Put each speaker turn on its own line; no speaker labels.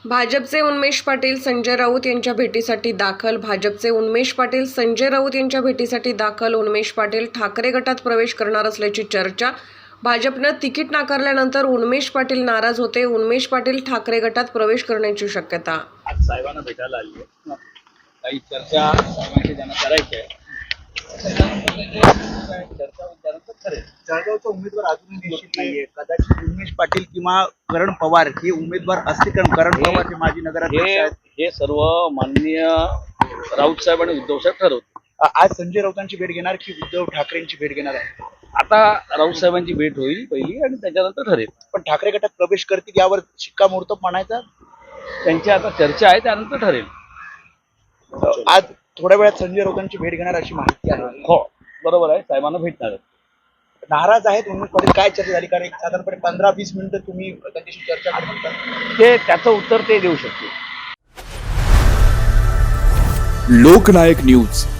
भाजपचे उन्मेष पाटील संजय राऊत यांच्या भेटीसाठी दाखल. भाजपचे उन्मेष पाटील संजय राऊत यांच्या भेटीसाठी दाखल. उन्मेष पाटील ठाकरे गटात प्रवेश करणार असल्याची चर्चा. भाजपनं तिकीट नाकारल्यानंतर उन्मेष पाटील नाराज होते. उन्मेष पाटील ठाकरे गटात प्रवेश करण्याची शक्यता.
आज साहेबांना भेटायला आली आहे. काही चर्चा साहेबांशी त्यांना करायची आहे. चर्चा विचारांचं ठरेल.
जळगावचा उमेदवार अजूनही निश्चित नाहीये. कदाचित उमेश पाटील किंवा करण पवार हे उमेदवार असतील, कारण करण पवार हे माजी नगराध्यक्ष आहेत.
हे सर्व माननीय राऊत साहेब आणि उद्धव साहेब ठरवतात.
आज संजय राऊतांची भेट घेणार की उद्धव ठाकरेंची भेट घेणार आहे?
आता राऊत साहेबांची भेट होईल पहिली आणि त्याच्यानंतर ठरेल.
पण ठाकरे गटात प्रवेश करतील यावर शिक्कामोर्तब म्हणायचा.
त्यांची आता चर्चा आहे, त्यानंतर ठरेल.
आज थोड्या वेळात संजय राऊतांची भेट घेणार अशी माहिती आहे.
हो बरोबर आहे, साहेबांना भेटणार आहे.
नाराज आहेत उमेश पाटील? काय चर्चा झाली? कारण एक साधारणपणे 15-20 मिनिटं तुम्ही त्यांच्याशी चर्चा करत होता.
ते त्याचं उत्तर ते देऊ शकतील.
लोकनायक न्यूज